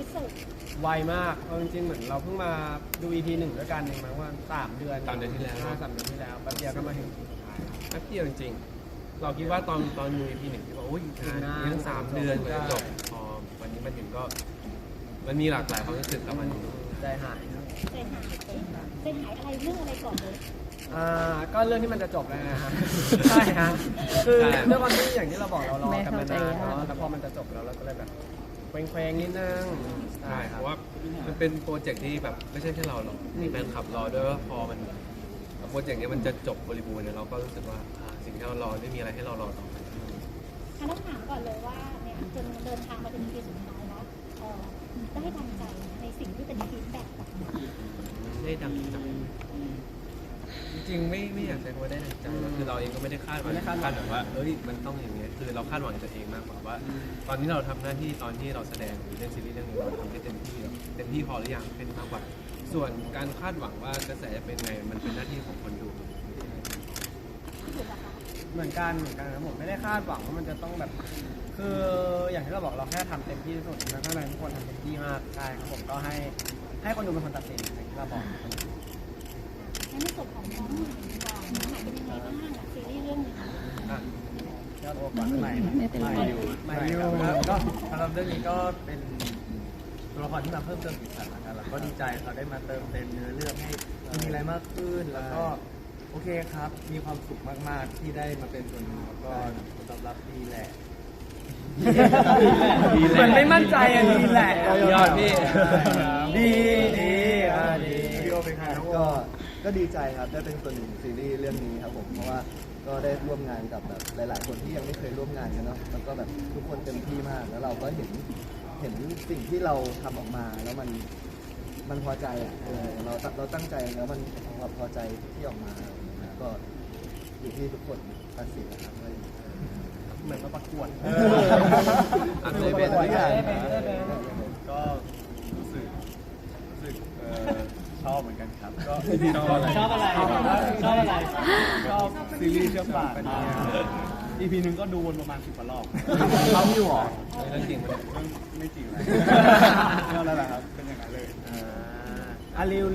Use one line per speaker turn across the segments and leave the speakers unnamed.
สุด
ไวมากเอาจริงๆเหมือนเราเพิ่งมาดู EP 1ด้วยกันเองมั้งว่า3 เดือน
3 เดือนที่แล้ว
3 เดือนที่แล้วแป๊บเดียวก็มาถึงแป๊บเดียวจริงๆเราคิดว่าตอนดู EP 1ที่บอกโอ้ย
ยัง3 เดือนกว่าจะจบพอวันนี้มันถึงก็มันมีหลากหลายความรู้สึกกับมัน
ใจหายครับ
ใจหายอะไรเรื่องอะไรก่อนเลย
ก็เรื่องที่มันจะจบแล้วนะฮะ ใช่ฮะคือเรื่องวันที่อย่างที่เราบอกเรารอกันมานานแล้วพอมันจะจบแล้วเราก็เลยแบบเคว้งๆนิดนึง
ใช่เพราะว่ามันเป็นโปรเจกต์ที่แบบไม่ใช่แค่เราหรอกมีแฟนคลับรอด้วยว่าพอมันโปรเจกต์นี้มันจะจบบริบูรณ์เนี่ยเราก็รู้สึกว่าสิ่งที่เรารอไม่มีอะไรให้เรารอต่อไป
ต้องถามก่อนเลยว่าเนี่ยจนเดินทางมาถึงปีสุดท้ายแล้วได้ดังใจในสิ่งที่เป็นฟีดแบ็กกลับมา
ได้ดังใจจริงๆไม่อยากใช้คำว่าได้ดังใจคือเราเองก็ไม่ได้คาดหวังแบบว่าเอ้ยมันต้องอย่างนี้คือเราคาดหวังตัวเองมากกว่าว่าตอนนี้เราทำหน้าที่ตอนที่เราแสดงหรือเล่นซีรีส์เรื่องนี้เราทำได้เต็มที่พอหรือยังเป็นมากกว่าส่วนการคาดหวังว่ากระแสจะเป็นไงมันเป็นหน้าที่ของคนดู
เหมือนกันครับผมไม่ได้คาดหวังว่ามันจะต้องแบบคืออย่างที่เราบอกเราแค่ทำเต็มที่ที่สุดแล้วข้างในทุกคนทำเต็มที่มากใช่ครับผมก็ให้คนดูเป็นคนตัดสินอย่างที่เราบอก
ในส่วนของน้องก่อนน้องใหม่เป็นยังไงบ้างซีรีส์เรื่องนี้
ยอดโอกาสใหม่อยู่
ก็สำหรับเรื่องนี้ก็เป็นตัวละครที่มาเพิ่มเติมสีสันนะครับแล้วก็ดีใจเขาได้มาเติมเต็มเนื้อเรื่องให้มีอะไรมากขึ้นแล้วก็โอเคครับมีความสุขมากๆที่ได้มาเป็นส่วนหนึ่งแล้วก็ผลตอบรับดีแหละ
เหมือนไม่มั่นใจดีแหละ
ยอดพี่
ดี
พี่โอเป็นใคร
ก็ดีใจครับได้เป็นส่วนหนึ่งซีรีส์เรื่องนี้ครับผมเพราะว่าก็ได้ร่วมงานกับแบบหลายๆคนที่ยังไม่เคยร่วมงานกันเนาะแล้วก็แบบทุกคนเต็มที่มากแล้วเราก็เห็นสิ่งที่เราทำออกมาแล้วมันพอใจอ่ะเราตั้งใจแล้วมันพอใจที่ออกมาก็อยู่ที่ทุกคนตัดสินนะครับ
เหมือนมาประกวด
เลยเป็น
ก็รู้สึกชอบเหมือนกันครับก็
ชอบอะไร
ชอบซีรีส์เชื่อมปากEP นึงก็ดูวนประมาณ10 กว่ารอบ
เขาอยู่หรอ
เรื่องจริง
มันไม่จริงเลยนั่นแหละครับเป็นอย่างนั้นเลย
เร็ว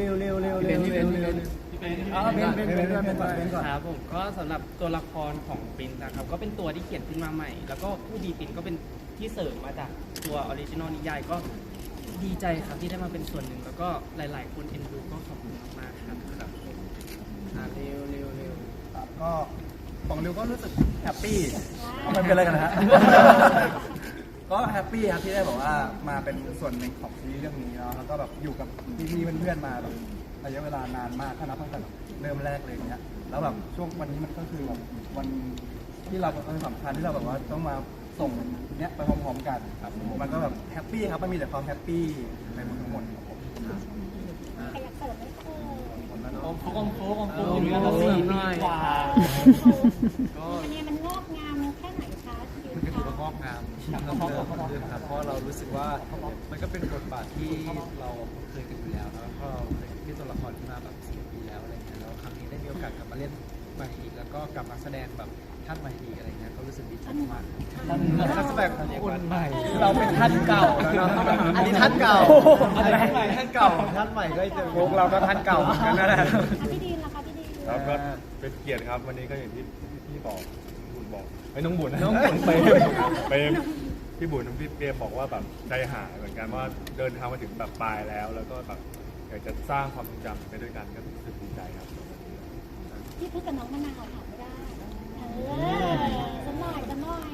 เป็นครับผมก็สำหรับตัวละครของปรินซ์นะครับก็เป็นตัวที่เขียนขึ้นมาใหม่แล้วก็ผู้ดีปรินซ์ก็เป็นที่เสริมมาจากตัวออริจินอลนิยายก็ดีใจครับที่ได้มาเป็นส่วนหนึ่งแล้วก็หลายๆคนเอ็นดูก็ขอบคุณมากๆครับ
เร็ว
ก็ของริวก็รู้สึกแฮปปี้มันเป็นอะไรกันนะฮะก็แฮปปี้ครับที่ได้บอกว่ามาเป็นส่วนหนึ่งของซีรีส์เรื่องนี้เนาะแล้วก็แบบอยู่กับพี่ๆเพื่อนๆมาแบบระยะเวลานานมากถ้านับตั้งแต่เริ่มแรกเลยเนี้ยแล้วแบบช่วงวันนี้มันก็คือแบบวันที่เราเป็นสำคัญที่เราแบบว่าต้องมาส่งเนี้ยไปพร้อมๆกันครับมันก็แบบแฮปปี้ครับมันมีแต่ความแฮปปี้ในหมดทั้งหมดครับผม
ใครอยากเสิร์ฟไหม
โค้ง4 ปีกว่า
อันนี้มันงอกงามแค่ไหนคะ
มันก็ถือว่างอกงามครับเพราะเรารู้สึกว่ามันก็เป็นบทบาทที่เราเคยกันอยู่แล้วแล้วก็เคยที่ตัวละครที่มาแบบ10 ปีแล้วอะไรเงี้ยแล้วครั้งนี้ได้มีโอกาสกลับมาเล่นใหม่อีกแล้วก็กลับมาแสดงแบบท่านใหม่อีกอะไรเงี้ยก็รู้สึกดีใจมากนักแสดงคนใหม่
เราเป็นท่านเก่าแล้วเนาะอันนี้ท่านเก่าท่านเก่าท่านใหม่ก็จะพวกเราก็ท่านเก่าเหมือนกันนั่นแหละ
พี่ดีนล่ะคะพี่ดีน
ครับก็เป็นเกียรติครับวันนี้ก็อย่างที่พี่บอกบุญบอกไอ้น้องบุญไปพี่บุญน้องพี่เปียบอกว่าแบบใจหายเหมือนกันว่าเดินทางมาถึงแบบปลายแล้วก็แบบอยากจะสร้างความทรงจำไปด้วยกันก็รู้สึกดีใจครับ
พี่พูดกับน้องมะนาวถามไม่ได้สมอย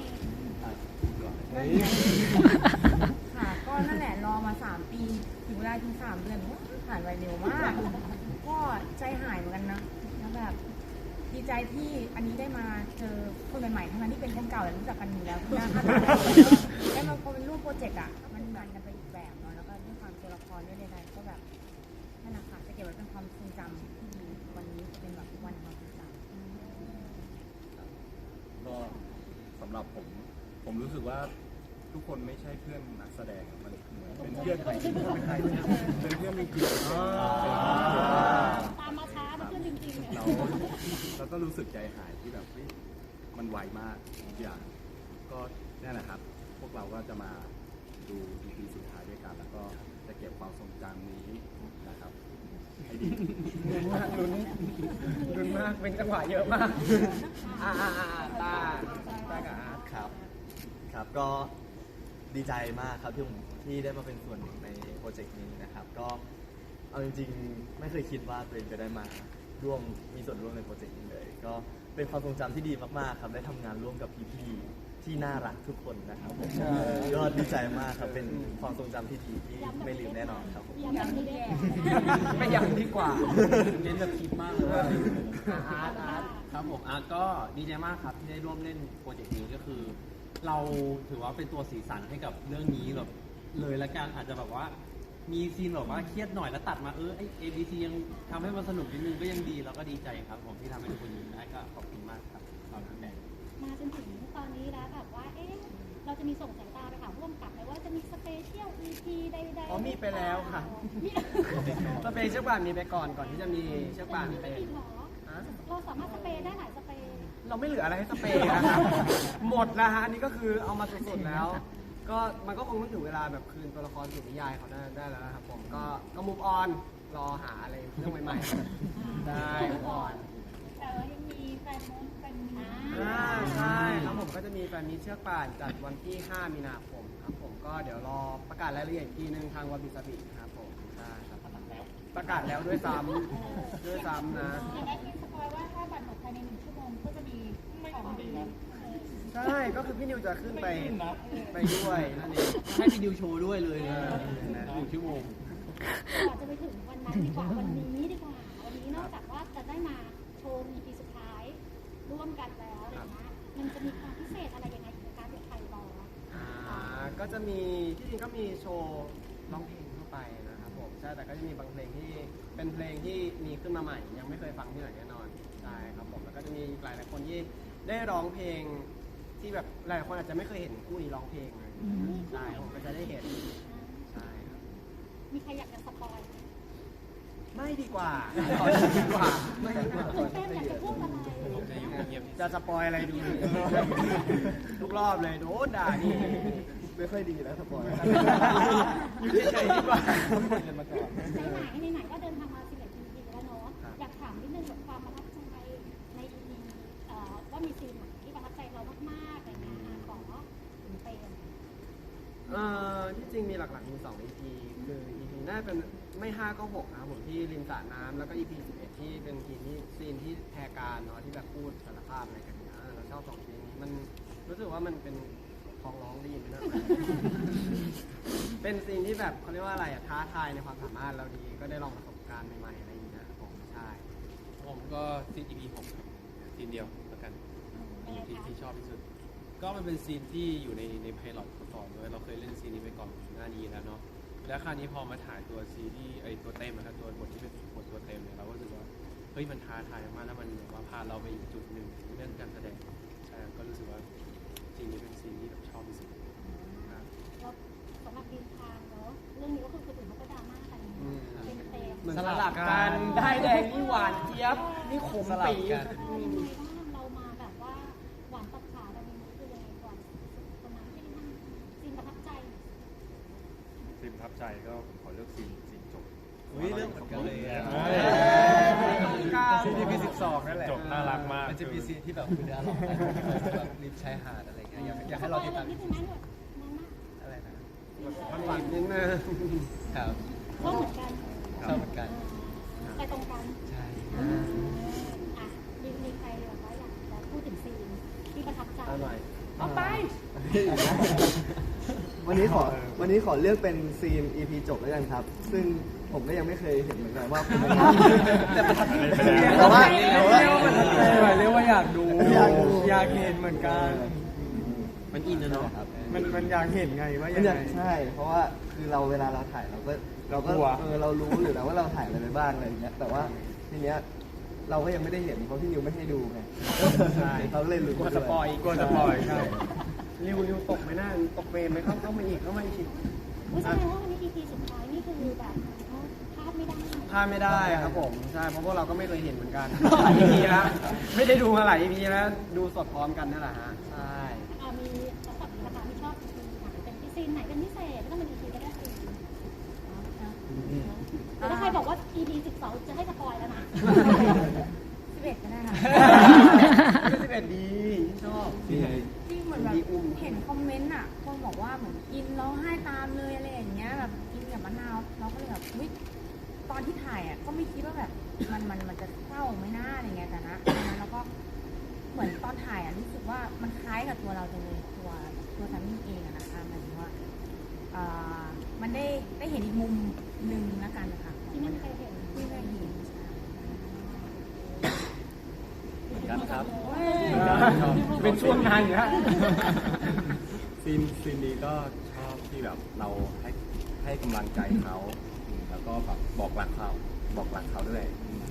ค่ะก็นั่นแหละรอมา3 ปีถึงเวลาถึง3 เดือนผ่านไปเร็วมากก็ใจหายเหมือนกันนะแล้วแบบดีใจที่อันนี้ได้มาเจอคนใหม่ๆทั้งนั้นที่เป็นคนเก่าแต่รู้จักกันอยู่แล้วที่หน้าค่าตาได้มาพอเป็นรูปโปรเจกต์อ่ะมันกันไปอีกแบบเนาะแล้วก็ด้วยความตัวละครด้วยใดๆก็แบบนั่นแหละค่ะจะเก็บไว้เป็นความทรงจำที่ดีวันนี้จะเป็นแบบวันความทรงจ
ำก็สำหรับผมรู้สึกว่าทุกคนไม่ใช่เพื่อนนักแสดงมันเป็นเพื่อนเป็นเพื่อนจริงๆ
ตามมาช้าเป็นเพื่อนจริงๆ
เราก็รู้สึกใจหายที่แบบมันไวมากทุกอย่างก็นี่แหละครับพวกเราก็จะมาดู EP สุดท้ายด้วยกันแล้วก็
ลุ้นมากลุ้นมากเป็นจังหวะเยอะมากตากับอาร์ต
ครับ ครับก็ดีใจมากครับที่ได้มาเป็นส่วนหนึ่งในโปรเจกต์นี้นะครับ ก็เอาจริงๆไม่เคยคิดว่าตัวเองจะได้มามีส่วนร่วมในโปรเจกต์นี้เลย ก็เป็นความทรงจำที่ดีมากๆครับได้ทำงานร่วมกับพี่ๆที่น่ารักทุกคนนะครับผมก็ดีใจมากครับเป็นความทรงจำที่ดีที่ไม่ลืมแน่นอนครับผม
ย้ำไม่ได้
ไม่ยังดีกว่า
เน้นแบบคิดมากเลยอาร์ตครับผมอาร์ตก็ดีใจมากครับที่ได้ร่วมเล่นโปรเจกต์นี้ก็คือ เราถือว่าเป็นตัวสีสันให้กับเรื่องนี้แบบเลยละกันอาจจะแบบว่ามีซีนแบบว่าเครียดหน่อยแล้วตัดมาไอ ABC ยังทำให้มันสนุกนิดนึงก็ยังดีแล้วก็ดีใจครับผมที่ทำให้ทุกคนยิ้มได้ก็ขอบคุณมากครับขอบคุณแม่
มาจนถึงตอนนี้แล้วแบบว่าเราจะมีส่งสายตาไปหาร่วมกับไหมว่าจะมีสเปเชียล EP ใดๆ
อ๋อมีไปแล้วค่ะ สเปรย์เชือกป่านมีไปก่อนที่จะมีเชือกป่านเป็น
หรอเราสามารถสเปรย์ได้หลายสเปรย์
เราไม่เหลืออะไรให้สเปรย์นะครับ หมดนะฮะอันนี้ก็คือเอามาสุดๆแล้ว ก็มันก็คงต้องถึงเวลาแบบคืนตัวละครสู่นิยายเขาได้แล้วนะครับผมก็มูฟออนรอหาอะไรเรื่องใหม่ๆได้มูฟออน
แต่ว่ายังมีแฟนมุ้งเป็น
ใช่ครับผมก็จะมีแฟนมีเชือกป่านจัดวันที่ 5 มีนาคมครับผมก็เดี๋ยวรอประกาศรายละเอียดอีกทีนึงทางวาบิสบิครับผมใช่ครับประกาศแล้วด้วยซ้ำนะ
อย่างนั้นมีสปอยว่าถ้าบัตรหมดภายใน1 ชั่วโมงก็จะมีของดี
ใช่ก็คือพี่นิวจะขึ้นไปด้วยนั่นเอง
ให้พี่ดิวโชว์ด้วยเลย1 ชั่วโมง
ก่อนจะไปถึงวันนั้นดีกว่าวันนี้ดีกว่าวันนี้นอกจากว่าจะได้มาโชว์ EP สุดท้ายร่วมกันแล้วอะไรเงี้ยมันจะมีความพิเศษอะไรยังไงถึงการเป็นไทยรอ
ก็จะมีที่จริงก็มีโชว์ร้องเพลงทั่วไปนะครับผมใช่แต่ก็จะมีบางเพลงที่เป็นเพลงที่มีขึ้นมาใหม่ยังไม่เคยฟังที่ไหนแน่นอนใช่ครับผมแล้วก็จะมีหลายคนที่ได้ร้องเพลงที่แบบหลายคนอาจจะไม่เคยเห็นคู่นี้ร้องเพลงเลยใช่ผมก็จะได้เห็นใช่ครับ
มีใครอยากจะสปอยไหม
ไม่ดีกว่า
ตื่นเต้นอยากจะพูดอะไร
จะสปอยอะไรดูทุกรอบเลยโดนด่านี่
ไม่ค่อยดีนะสปอย
อยู่เฉยๆดีกว่า
ไหนก็เดินทางมา11 EP แล้วเนาะอยากถามนิดนึงกับความประทับใจใน EP ว่ามีซีนไหนที่ประทับใจเรามากๆอะไรเงี้ยของถึงเป็น
ที่จริงมีหลักๆมี2 EP คือ EP น่าเป็นไม่5ก็6นะครับผมที่ริมสระน้ำแล้วก็ EP 11ที่เป็นซีนที่แพรการเนาะที่แบบพูดสารภาพอะไรกันเนี้ยเราชอบ2ซีนนี้มันรู้สึกว่ามันเป็นคลองร้องได้ยินไหมนะ เป็นซีนที่แบบเขาเรียกว่าอะไรอะท้าทายในความสามารถเราดีก็ได้ลองประสบการณ์ใหม่ๆอะไรอย่างเงี้ยครับผมใช่
ผมก็ซีน EP 6ครับซีนเดียวแล้วกันที่ชอบที่สุด ก็มันเป็นซีนที่อยู่ในไพลอตก่อนด้วยเราเคยเล่นซีนนี้ไปก่อนหน้านี้แล้วเนาะแล้วคราวนี้พอมาถ่ายตัวซีรีส์ตัวเต็มนะครับตัวบทที่เป็นบทตัวเต็มเนี่ยเราก็รู้สึกว่าเฮ้ยมันท้าทายมากแล้วมันแบบว่าพาเราไปอีกจุดหนึ่งเรื่องการแสดงใช่ก็รู้สึกว่าซีนนี้เป็นซีนที่แบบชอบที่สุดครับ
แล้วสำหรับดินทางเนาะเรื่องนี้ก็คือคนอื่นเขาก็ดราม่ากันเป็นเต็ม
เหมือนสลับกันได้แดงนี่หวานเจี๊ยบนี่ขมปี๊
ยังไงบ้างเรามาแบบว่าหวานตัดขาเรามีมุกคือยังไงก่อนคนนั้นที่นั่งซีนประทับใจ
ซีนประทับใจก็ผมขอเลือกซีนจบ
เรื่องเหมือนกันเลย
ซีน EP 12นั่นแหละ
จบน่ารักมาก
มันจะมีซีนที่แบบคือน่ารักแบบริมชายหาดอะไรเงี้ยอยากให้เราติดตาม
ที่ถึงนั้นแบบนั้นมาก
อะไรนะ
มันหวานนิดนึง
ครับ
ก็เหมือนกัน
ชอบเหมือนกัน
ไปตรงกัน
ใช่
อ่ะมีใครแบบว่าอยากจะพูดถึงซีนที่ประทับใจ
อร่อย
เอาไป
วันนี้ขอเลือกเป็นซีน EP จบแล้วกันครับ ซึ่งผมก็ยังไม่เคยเห็นเหมือนกันว่าเป็นยังไงแต่ว่า
เรียกว่าอยากดูอยากเห็นเหมือนกัน
มันอินนะเนาะ
มันอยากเห็นไงว่า
มั
ยั
น
ง
อยาก
ไง
ใช่ เพราะว่าคือเราเวลาเราถ่ายเราก็
กลัว
เรารู้อยู่แล้วว่าเราถ่ายอะไรไปบ้างอะไรอย่างเงี้ยแต่ว่าทีเนี้ยเราก็ยังไม่ได้เห็นเพราะพี่นิวไม่ให้ดูไง
ใช่
เขาเลยรู้
กลัวสปอยใช่ริวตกไหมน่าตกเวรไหมเข้ามาอีก
แสดงว่าวันนี้ EP สุดท้ายนี่คือแบบพลาดไม่ได้
พลาดไม่ได้ครับผมใช่เพราะพวกเราก็ไม่เคยเห็นเหมือนกันหลาย EP แล้วไม่ได้ดูมาหลาย EP แล้วดูสดพร้อมกันนั่นแหละฮะใช่
มีสำหรับราคาที่ชอบซีนไหนเป็นซีนไหนเป็นพิเศษไม่ต้องเป็น EP ก็ได้ซีนแล้วถ้าใครบอกว่า EP 12จะให้ส
ตามเลยอะไรอย่างเงี้ยแบบกินกับมะนาวเราก็เลยแบบอุ๊ยตอนที่ถ่ายอ่ะก็ไม่คิดว่าแบบมันจะเศร้าไม่น่าอะไรเงี้ยแต่นะตอนนั้นเราก็เหมือนตอนถ่ายอ่ะรู้สึกว่ามันคล้ายกับตัวเราจังเลยตัวแซมมี่เองอะนะคะหมายถึงว่ามันได้เห็นอีกมุมหนึ่งแล้วกันนะคะ
ที่ไม่มีใครเห็น
ที่ไม่เห็น
เหมือนกันครับ
เป็นช่วงงานอยู่ฮะ
ซีนนี้ก็ชอบที่แบบเราให้กำลังใจเขาแล้วก็แบบบอกรักเขาด้วย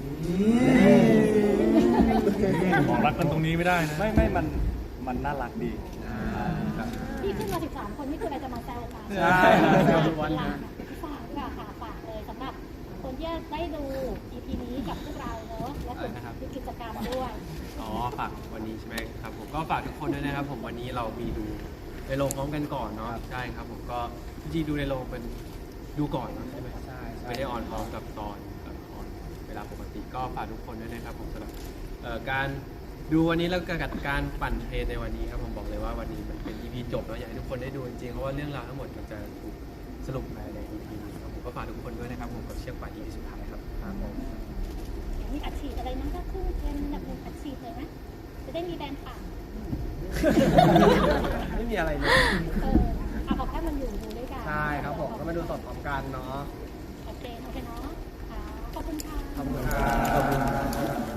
บอกรักกันตรงนี้ไม่ได้นะไม่มันน่ารักดีครับ
ที่ขึ้นมา13 คนนี่คืออะไรจะมาแซวกัน
ใช่แซวทุกวัน
ฝากดีกว่าค่ะฝากเลยสำหรับคนที่ได้ดู EP นี้กับพวกเราเนอะและกลุ่มกิจกรรมด้วย
อ๋อฝากวันนี้ใช่ไหมครับผมก็ฝากทุกคนด้วยนะครับผมวันนี้เรามีดูในโรงพร้อมกันก่อนเนาะใช่ครับผมก็จริงๆดูในโรงเป็นดูก่อนเนอะใช่ไหม
ใช่
ไม่ได้ออนพร้อมกับตอนออนเวลาปกติก็ฝากทุกคนด้วยนะครับผมสำหรับการดูวันนี้แล้วก็การปั่นเทรนในวันนี้ครับผมบอกเลยว่าวันนี้มันเป็น EP จบเนาะอยากให้ทุกคนได้ดูจริงๆเพราะว่าเรื่องราวทั้งหมดมันจะถูกสรุปภายใน EP นี้ครับผมก็ฝากทุกคนด้วยนะครับผมกับเชือกป่าน EP สุดท้ายครับครับผม
มีอัดฉีดอะไรมั้งก็ขึ้นเป็นแบบนึงอัดฉีดเลยไหมจะได้มีแบรนด์ปาก
ไม่มีอะไรเลย
เอาแค่มันอยู่ดูด้วยกัน
ใช่ครับผมก็มาดูสดพร้อมกันเนาะ
โอเคเนาะค่ะขอบคุณค่ะ
ขอบคุณครับ